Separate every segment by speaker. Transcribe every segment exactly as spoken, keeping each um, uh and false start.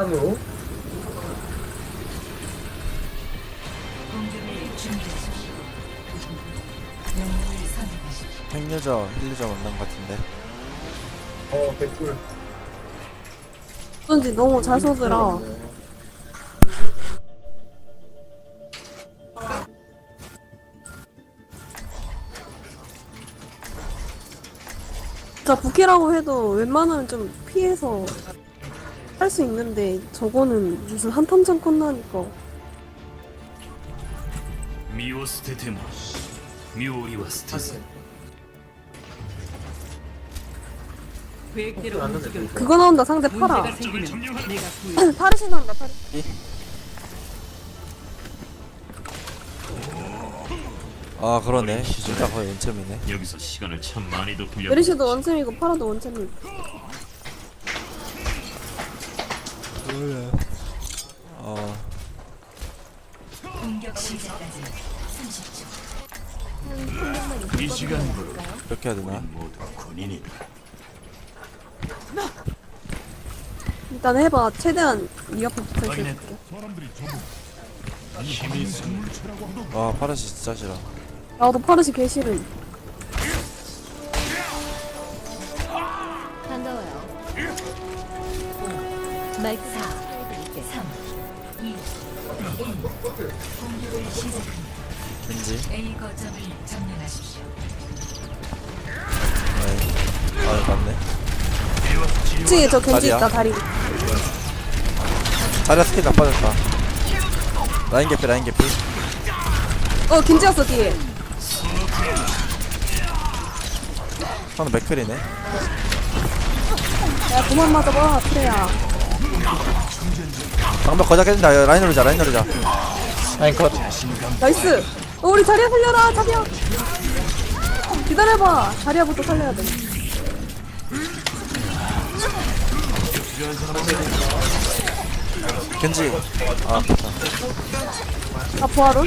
Speaker 1: 한으로
Speaker 2: 핵유저, 힐유저 만난 것 같은데.
Speaker 1: 어 개꿀.
Speaker 3: 어쩐지 너무 잘 쏘더라. 진짜 부캐라고 해도 웬만하면 좀 피해서 할 수 있는데 저거는 무슨 한탐정 콘나니까.
Speaker 4: 身を捨てても妙理は捨てず
Speaker 5: 계획대로 움직여.
Speaker 3: 그거 나온다 상대 파라.
Speaker 5: 문제가 생기면 내가 구해.
Speaker 3: 파르시 나온다 파르시.
Speaker 2: 아 그러네. 진짜 거의 원점이네.
Speaker 4: 여기서 시간을 참 많이도 빌려
Speaker 3: 메리시도 원챔이고 파라도 원챔이고.
Speaker 2: 어
Speaker 6: 공격 시작까지 삼십 초.
Speaker 4: 이 시간으로
Speaker 2: 이렇게 해야 되나?
Speaker 4: 모두 군인이다.
Speaker 3: 일단 해봐. 최대한 이 앞에 붙어 있을게.
Speaker 4: 힘이 있으면
Speaker 2: 와 파라시 진짜 싫어.
Speaker 3: 나도 파르시 개 싫음.
Speaker 6: 반가워요. 마이크 사, 삼, 이, 일. 공격을 시작합니다.
Speaker 2: 왠지.
Speaker 6: A 거점을 점령하십시오.
Speaker 2: 아이. 아 맞네.
Speaker 3: 이 층에 저 겐지
Speaker 2: 다리야?
Speaker 3: 있다 다리.
Speaker 2: 자리야 스킬 나빠졌다. 라인 개피 라인 개피.
Speaker 3: 어 겐지였어 뒤에.
Speaker 2: 상대 맥클이네.
Speaker 3: 야 그만 맞아봐 트레야.
Speaker 2: 방벽 거작 깨진다. 야, 라인 누르자 라인 누르자. 라인 컷.
Speaker 3: 나이스. 어, 우리 자리야 살려라 자리야. 기다려봐. 자리야부터 살려야 돼.
Speaker 2: 겐지. 아 아프다.
Speaker 3: 아 부하론?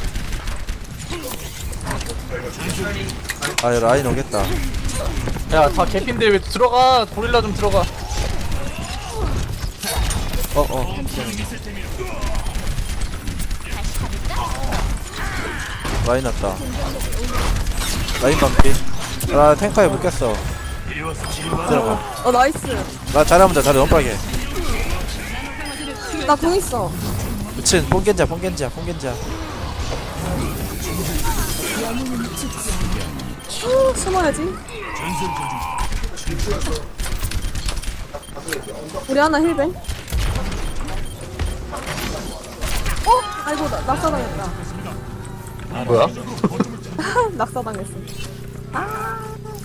Speaker 2: 아 라인 오겠다.
Speaker 7: 야, 다 개핀데 왜 들어가? 고릴라 좀 들어가.
Speaker 2: 어어. 라인 왔다. 라인 반피. 아 탱커에 묶였어. 들어가.
Speaker 3: 어 나이스.
Speaker 2: 나 자리 먼저 자리 너무 빠르게.
Speaker 3: 나 공 있어.
Speaker 2: 미친 뽕겐지야 뽕겐지야 뽕겐지야.
Speaker 3: 후, 숨어야지. 우리 하나 힐뱅. 어? 아이고 나, 낙사당했다.
Speaker 7: 뭐야?
Speaker 3: 낙사당했어. 아.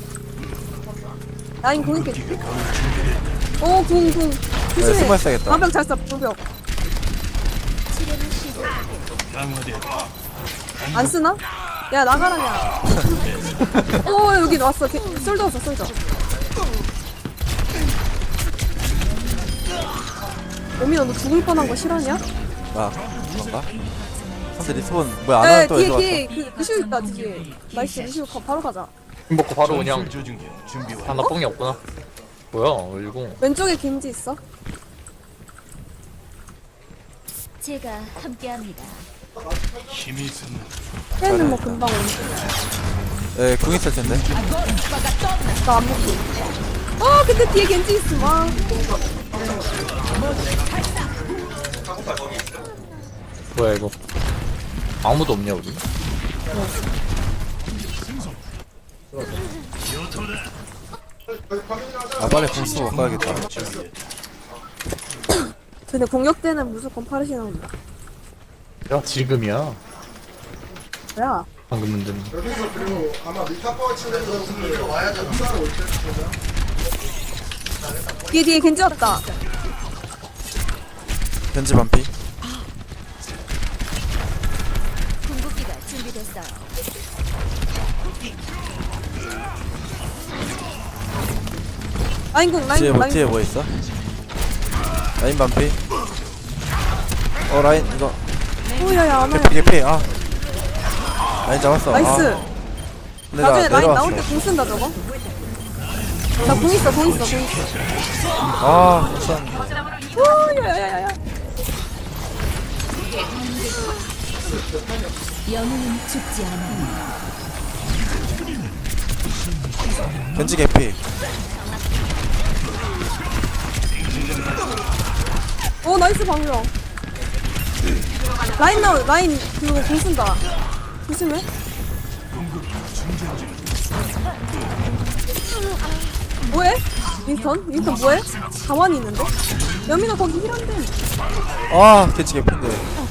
Speaker 3: 라인 공 있겠지? 어, 공, 공.
Speaker 2: 네,
Speaker 3: 조심해.
Speaker 2: 숨어 있어야겠다.
Speaker 3: 방벽 잘 써, 방벽. 안 쓰나? 야, 나가라냐. 오, 여기 왔어. 개, 솔더 왔어, 솔더. 오미야, 너 죽을 뻔한 거 싫어하냐?
Speaker 2: 아 그런가? 상대 리스본 뭐야 안
Speaker 3: 에,
Speaker 2: 하는 또
Speaker 3: 뒤에,
Speaker 2: 해서
Speaker 3: 뒤에, 그, 루시오 있다, 뒤에. 나이스, 루시오 가, 바로 가자.
Speaker 7: 힘 먹고 바로 그냥 하나 뽕이 없구나. 뭐야? 일공.
Speaker 3: 왼쪽에 김지 있어?
Speaker 6: 제가 함께합니다.
Speaker 4: 힘이 있으면
Speaker 3: 걔는 뭐 금방 오는데.
Speaker 2: 예, 궁 있을 텐데.
Speaker 3: 나 안 먹고. 어, 근데 뒤에 겐지 있어, 와.
Speaker 7: 뭐야 이거? 아무도 없냐 우리?
Speaker 2: 아 빨리 궁 쓰고 가야겠다.
Speaker 3: 근데 공격 때는 무조건 파르시 나온다.
Speaker 7: 야 지금이야.
Speaker 3: 뭐야?
Speaker 7: 방금 문제는.
Speaker 3: 뒤에 뒤에 겐지 왔다.
Speaker 2: 겐지 반피.
Speaker 6: 궁극기가 준비됐어요.
Speaker 3: 라인 공, 라인
Speaker 2: 뒤에
Speaker 3: 공,
Speaker 2: 뭐
Speaker 3: 라인
Speaker 2: 뒤에
Speaker 3: 공.
Speaker 2: 뭐 있어? 라인 반피. 어 라인 이거
Speaker 3: 오야야 안 와요.
Speaker 2: 개피 개피. 아 라인 잡았어.
Speaker 3: 나이스.
Speaker 2: 아, 근데 나
Speaker 3: 나중에 라인
Speaker 2: 내려왔어.
Speaker 3: 나올 때 공 쓴다 저거. 나공 있어 공 있어 공 있어.
Speaker 2: 아 우선
Speaker 3: 오 야야야야.
Speaker 6: 영웅은 죽지 않아.
Speaker 2: 겐지 개피.
Speaker 3: 오 나이스 방금. 라인 나오 라인 그거 공 쓴다. 조심해. 뭐해? 윈스턴? 윈스턴 뭐해? 가만히 있는데? 여민아 거기 힐한데.
Speaker 2: 아 겐지 개피인데.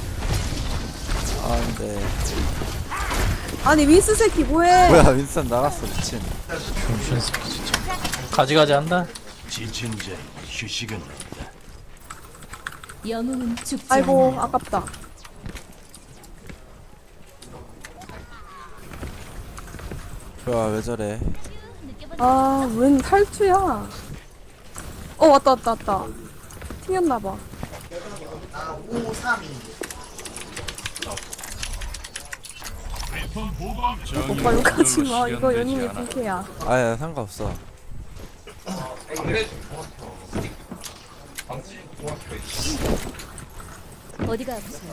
Speaker 2: 아 근데
Speaker 3: 아니 윈스 새끼 뭐해?
Speaker 2: 뭐야 윈스턴 나갔어 미친.
Speaker 7: 병신 새끼 진짜. 가지가지 한다.
Speaker 4: 지친 자의 휴식은 없다.
Speaker 6: 영웅은 죽지
Speaker 3: 아이고
Speaker 6: 않아.
Speaker 3: 아깝다.
Speaker 2: 좋아 왜 저래.
Speaker 3: 아웬 탈주야? 어 왔다 왔다 왔다. 튕겼나봐. 오빠 욕하지 마. 이거 연인의 불쾌야.
Speaker 2: 아야 상관없어.
Speaker 6: 어디가 아프세요?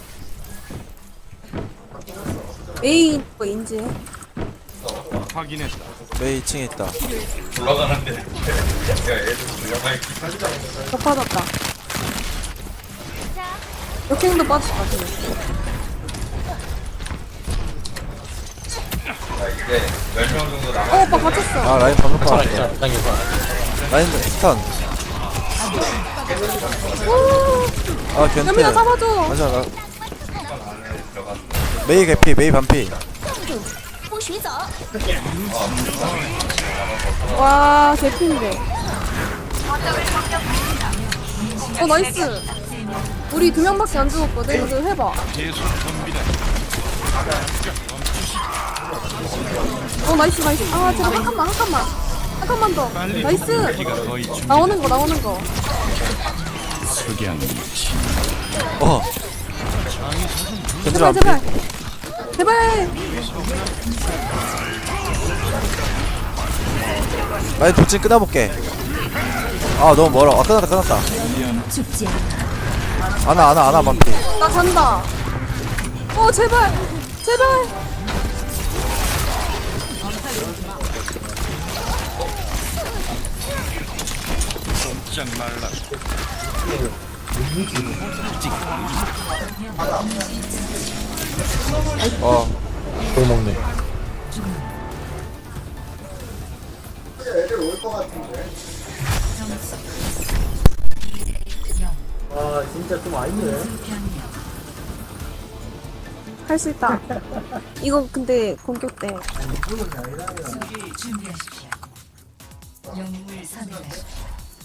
Speaker 3: 에이 뭐 인지해.
Speaker 4: 확인했다.
Speaker 2: 메이 이 층에 있다.
Speaker 3: 더 빠졌다. 역행도 빠졌다. 지금. 어 오빠 갇혔어.
Speaker 2: 아 라인 방금
Speaker 7: 괜찮아
Speaker 2: 빠졌다.
Speaker 7: 괜찮아. 당겨봐.
Speaker 2: 라인 스턴. 아 견태.
Speaker 3: 여민아 잡아줘.
Speaker 2: 맞아 나. 메이 개피 메이 반피.
Speaker 3: 와 개핀데. 어 나이스. 우리 두 명밖에 안 죽었거든. 이거 해봐.
Speaker 4: 계속 덤비다.
Speaker 3: 어 나이스 나이스. 아 제발 한 칸만 한 칸만 한 칸만 더. 나이스.
Speaker 4: 기가 거의 준
Speaker 3: 나오는 거 나오는 거.
Speaker 4: 석양 미치.
Speaker 2: 어. 겐지
Speaker 3: 제발
Speaker 2: 반피.
Speaker 3: 제발 제발.
Speaker 2: 라인 돌진 끊어볼게. 아 너무 멀어. 아 끊었다 끊었다.
Speaker 6: 죽지 않아.
Speaker 2: 아나 아나 아나 반피.
Speaker 3: 나 잔다. 어 제발 제발.
Speaker 4: 짝 말라.
Speaker 2: 어.
Speaker 7: 또 먹네.
Speaker 1: 애들 올 것 같은데. 아 진짜 좀 아니네.
Speaker 3: 할 수 있다. 이거 근데 공격 때.
Speaker 6: 수비를 준비하십시오. 영웅을 선택하십시오.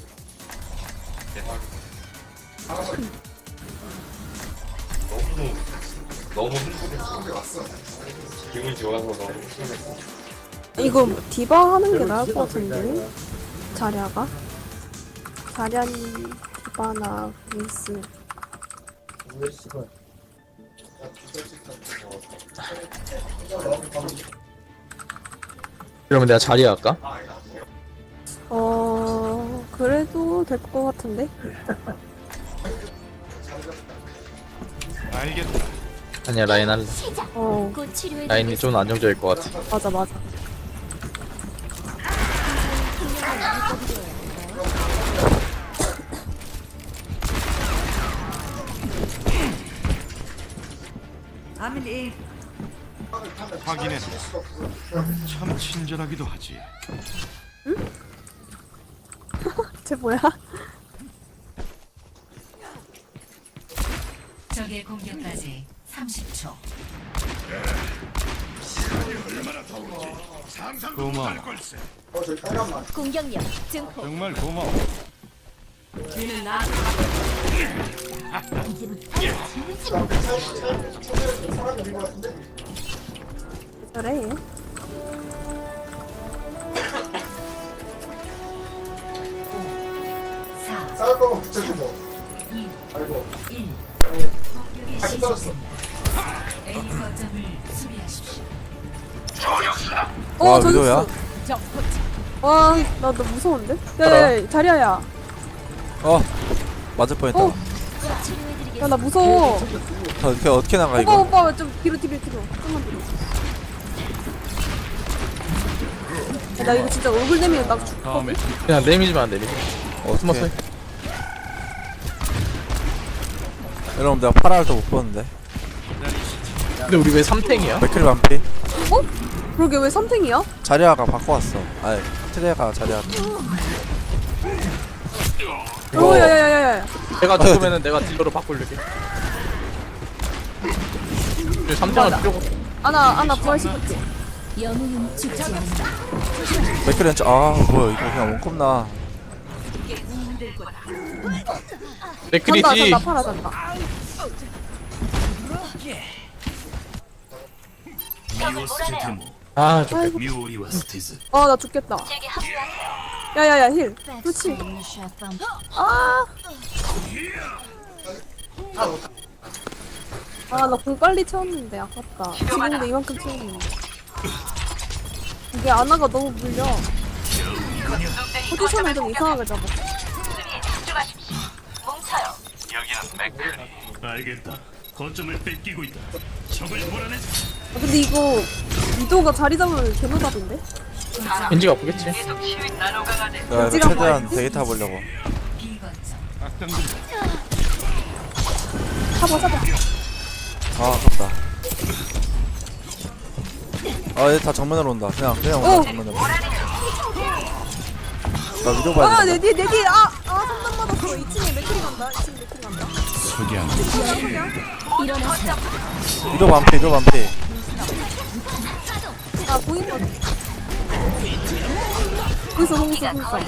Speaker 3: 이거 디바 하는 게 나을 것 같은데. 자랴가. 자랴니 디바나 윈스.
Speaker 7: 이러면 내가 자리 할까?
Speaker 3: 어 그래도 될 것 같은데.
Speaker 4: 알겠다.
Speaker 7: 아니야 라인 할래.
Speaker 3: 어
Speaker 6: 곧 치료해
Speaker 7: 라인이 좀 안정적일 것 같아.
Speaker 3: 맞아 맞아.
Speaker 5: 아밀리
Speaker 4: 확인했다. 참 친절하기도 하지.
Speaker 3: 쟤 뭐야?
Speaker 6: 적의 공격까지 삼십 초.
Speaker 4: 고마워.
Speaker 1: 어 저기 빨간만.
Speaker 6: 공격력 증폭.
Speaker 4: 정말 고마워.
Speaker 5: 뒤는 나
Speaker 3: 저래.
Speaker 6: 사,
Speaker 1: 싸울 거면 붙여주고. 아이고.
Speaker 6: 일.
Speaker 1: 다시 떨었어.
Speaker 6: A 거점을 수비하십시오.
Speaker 3: 어
Speaker 2: 와,
Speaker 3: 저기
Speaker 2: 위도야?
Speaker 3: 있어. 와, 나 너 무서운데? 야야야, 자리야야.
Speaker 2: 어 맞을 뻔했다.
Speaker 3: 어. 야, 나 무서워.
Speaker 2: 저 어떻게 어떻게 나가
Speaker 3: 오빠
Speaker 2: 이거?
Speaker 3: 오빠 좀 뒤로 뒤로 뒤로. 좀만 뒤로. 야, 나 이거 진짜 얼굴 내미면 나 죽.
Speaker 7: 다음에 그냥 내미지만 안 내리. 어 숨었어.
Speaker 2: 어떻게? 여러분 내가 파라를 더 못 보는데.
Speaker 7: 근데 우리 왜 삼탱이야?
Speaker 2: 맥크리 반피.
Speaker 3: 어? 그러게 왜 삼탱이야?
Speaker 2: 자리아가 바꿔왔어. 아니 트레가 자리아.
Speaker 3: 오, 야야야야야.
Speaker 7: 내가 죽으면은 내가 딜러로 바꾸려게. 우리 삼탱은 필요가 없어.
Speaker 3: 아나 아나 부활시켰지.
Speaker 6: 영웅은 죽지 않는다.
Speaker 2: 맥크리 왼쪽. 아 뭐야 이거 그냥 원컵 나.
Speaker 3: 잔다
Speaker 7: 맥크리지.
Speaker 3: 잔다 팔아 잔다.
Speaker 4: 미오 스테테모
Speaker 7: 아 좀.
Speaker 4: 미오리와 스테즈
Speaker 3: 아 나 죽겠다. 야야야 힐. 그렇지. 아. 아 나 공 빨리 채웠는데 아깝다. 지금도 이만큼 채웠는데. 이게 아나가 너무 물려. 포지션을 좀 이상하게 잡았어.
Speaker 4: 알겠다. 거점을 뺏기고 있다. 적을 몰아내자.
Speaker 3: 아, 근데 이거 위도가 자리 잡으면 개노답인데?
Speaker 7: 겐지가 아프겠지.
Speaker 2: 내가 이거
Speaker 3: 찌가
Speaker 2: 최대한
Speaker 3: 뭐였지?
Speaker 2: 데이터 보려고.
Speaker 3: 잡아 잡아.
Speaker 2: 아 아깝다. 아얘 다 정면으로 온다. 그냥 그냥 온다
Speaker 3: 어.
Speaker 2: 정면으로. 나 위로 봐야
Speaker 3: 아,
Speaker 2: 돼.
Speaker 3: 내 뒤에, 내 뒤에, 아, 아, 상담 받았어. 이 층에 맥클이 간다. 이 층에 맥클이 간다.
Speaker 2: 위로 반피 위로 반피.
Speaker 3: 아, 보인 거. 거기서, 거기서, 거기서.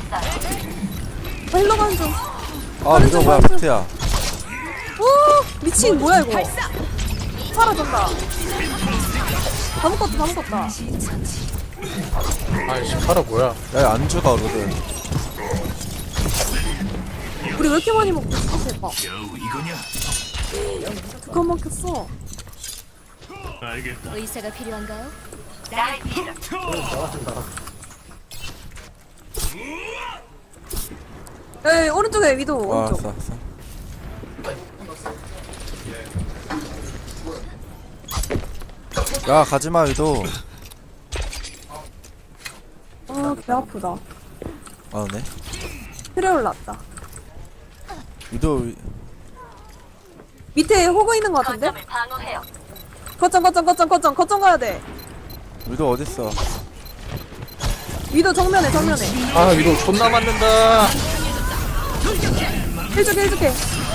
Speaker 3: 아, 힐러 가는 중.
Speaker 2: 아 위로 뭐야 비트야.
Speaker 3: 오, 미친, 뭐야, 이거. 사라졌다. 다 묶었다, 다 묶었다.
Speaker 7: 아이씨 파라 뭐야?
Speaker 2: 야 안주가 오거든.
Speaker 3: 우리 왜 이렇게 많이 먹고 있어, 대박.
Speaker 4: 겨우 이거냐?
Speaker 3: 두칸 막혔어.
Speaker 4: 알겠다.
Speaker 6: 의사가 필요한가요?
Speaker 3: 에이, 오른쪽에 위도,
Speaker 2: 아
Speaker 3: 오른쪽.
Speaker 2: 알았어 알았어. 야 가지마 위도.
Speaker 3: 아, 배 아프다.
Speaker 2: 아 네.
Speaker 3: 트레 올랐다.
Speaker 2: 위도 위...
Speaker 3: 밑에 호그 있는 거 같은데? 거점, 거점, 거점, 거점, 거점 가야 돼.
Speaker 2: 위도 어딨어?
Speaker 3: 위도 정면에, 정면에.
Speaker 7: 아 위로 존나 맞는다.
Speaker 3: 해줄게, 해줄게.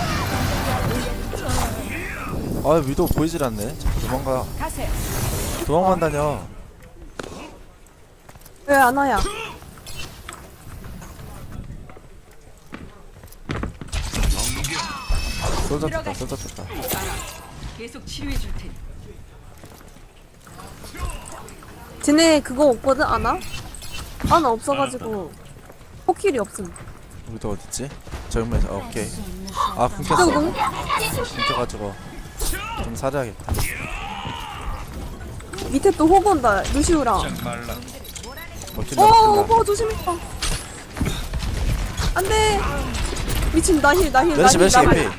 Speaker 2: 아 위도 보이질 않네. 도망가. 도망간다녀.
Speaker 3: 왜 안 와야?
Speaker 2: 쏠잡혔다 쏠잡혔다.
Speaker 5: 계속 치료해 줄 테니.
Speaker 3: 쟤네 그거 없거든, 아나? 아나 없어가지고 포킬이 없음.
Speaker 2: 위도 어딨지? 정면에. 아, 오케이. 아
Speaker 3: 저거
Speaker 2: 끊겼어.
Speaker 3: 너무
Speaker 2: 끊겨가지고 좀 사려야겠다.
Speaker 3: 밑에 또 호그 온다, 루시우랑.
Speaker 2: 먹힐라
Speaker 3: 어,
Speaker 2: 먹힐라.
Speaker 3: 오빠 조심했다. 안돼. 미친 나힐 나힐
Speaker 2: 멸시
Speaker 3: 나힐
Speaker 2: 멸시
Speaker 3: 나힐.
Speaker 2: 개피.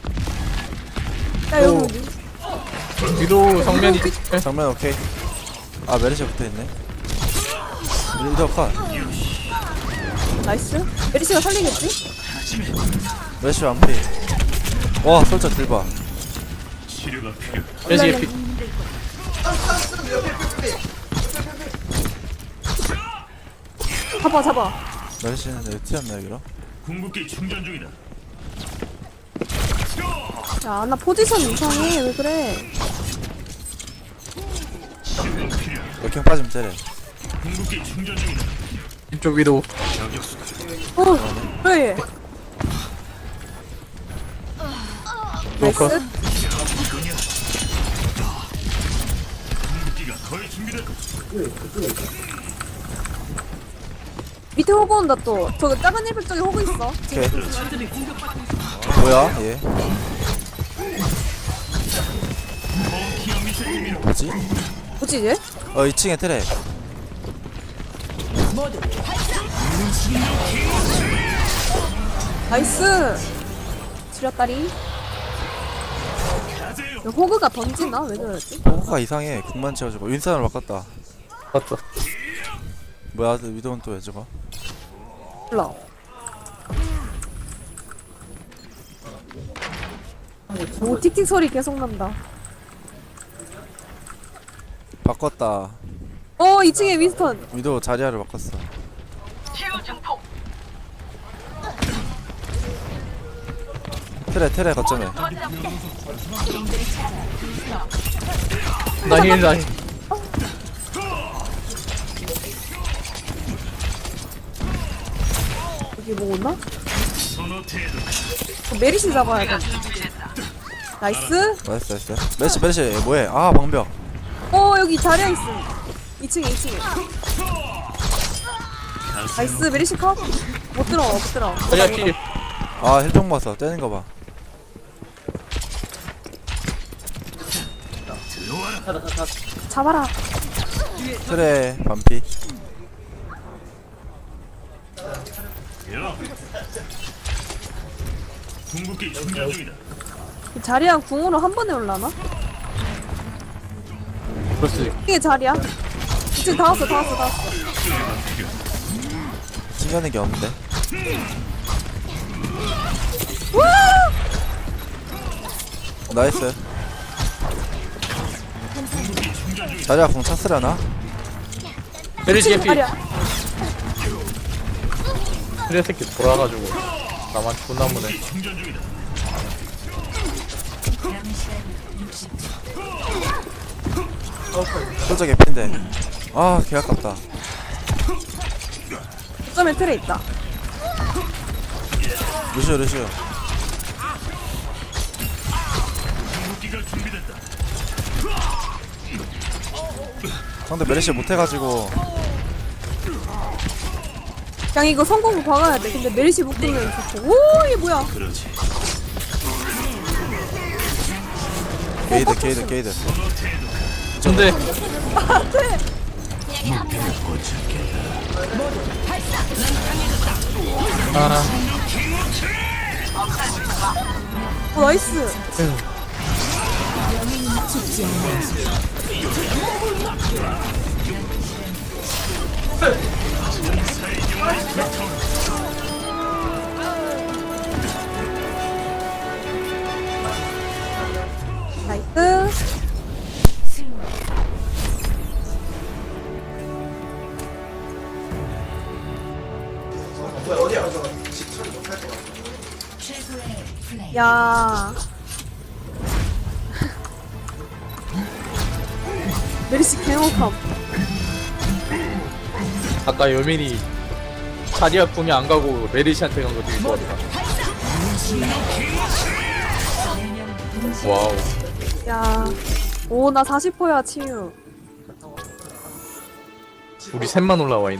Speaker 3: 야 여기 여기.
Speaker 7: 위로 정면이.
Speaker 2: 정면 오케이. 아 메르시 붙어있네. 위도 컷.
Speaker 3: 나이스. 메리시가 살리겠지?
Speaker 2: 메르시 완피. 와 솔저 딜봐.
Speaker 4: 치료가 필요.
Speaker 7: 겐지 피.
Speaker 3: 잡아 잡아.
Speaker 2: 메르시는 여기 튀었나 여기로?
Speaker 4: 궁극기 충전 중이다.
Speaker 3: 야 아나 포지션 이상해. 왜 그래?
Speaker 4: 지금 필요.
Speaker 2: 역행 빠지면 째래.
Speaker 4: 궁극기 충전 중이다.
Speaker 7: 이쪽 위로.
Speaker 4: 저격수다.
Speaker 3: 어 왜?
Speaker 7: 놓고.
Speaker 3: 나이스.
Speaker 4: 이거냐? 궁극기가 거의 준비됐다.
Speaker 3: 밑에 호그 온다 또. 저 작은 일백 쪽에 호그 있어.
Speaker 2: 오케이. 뭐야 얘?
Speaker 4: 펑키한 미세팀이로
Speaker 2: 뭐지?
Speaker 3: 뭐지 얘?
Speaker 2: 어 이 층에 트레.
Speaker 3: 나이스. 지렸다리. 야, 호그가 던지나? 왜 그러지?
Speaker 2: 호구가 이상해. 궁만 채워주고 윈산으로 바꿨다.
Speaker 7: 맞다.
Speaker 2: 뭐야 위도는 또 왜 저거?
Speaker 3: 몰라. 오 틱틱 소리 계속 난다.
Speaker 2: 바꿨다.
Speaker 3: 어 이 층에 윈스턴.
Speaker 2: 위도 자리아를 바꿨어. 트레 트레 거점에.
Speaker 7: 나힐 나힐.
Speaker 3: 여기 뭐 오나? 어, 메리시 잡아야 돼. 나이스.
Speaker 2: 나이스 나이스. 메시 메시 뭐해? 아 방벽.
Speaker 3: 어 여기 자리야 있음. 이 층에 이 층에. 나이스 메리시 컷. 못 들어 못 들어.
Speaker 7: 자리야 필.
Speaker 2: 아 힐병 봤어. 떼는 거 봐.
Speaker 3: 잡아라.
Speaker 2: 트레 반피.
Speaker 4: 궁극기 충전 중이다.
Speaker 3: 자리야 궁으로 한 번에 올라나?
Speaker 7: 그럴 수 있.
Speaker 3: 이게 자리야? 이제 다 왔어 다 왔어 다 왔어.
Speaker 2: 신기하는 게 없는데. 나이스. 자리아 궁 찼으려나?
Speaker 7: 메리시 개피.
Speaker 3: 자리야.
Speaker 7: 트레 새끼 돌아가지고 나만 존나 무네.
Speaker 4: 충전 중이다.
Speaker 2: 솔저 개피인데. 아 개 아깝다.
Speaker 3: 점에 틀에 있다.
Speaker 2: 루시오 루시오.
Speaker 4: 궁극기가 준비됐다.
Speaker 2: 상대 메리시 못해가지고.
Speaker 3: 그냥 이거 성공을 박아야 돼. 근데 메리시 묶으면 좋고. 오 이게 뭐야?
Speaker 4: 그렇지.
Speaker 2: 게이드 게이드 게이드.
Speaker 7: 근데 아
Speaker 3: 어, 나이스.
Speaker 6: 죽지 않아.
Speaker 3: 나이스.
Speaker 1: 어디야?
Speaker 3: 야. 메리시 개목함.
Speaker 7: 아까 여민이 자리야 궁이 안 가고 메리시한테 간 거 되게 좋았다. 와우.
Speaker 3: 야. 오 나 사십 퍼야 치유.
Speaker 7: 우리 셋만 올라와 있네.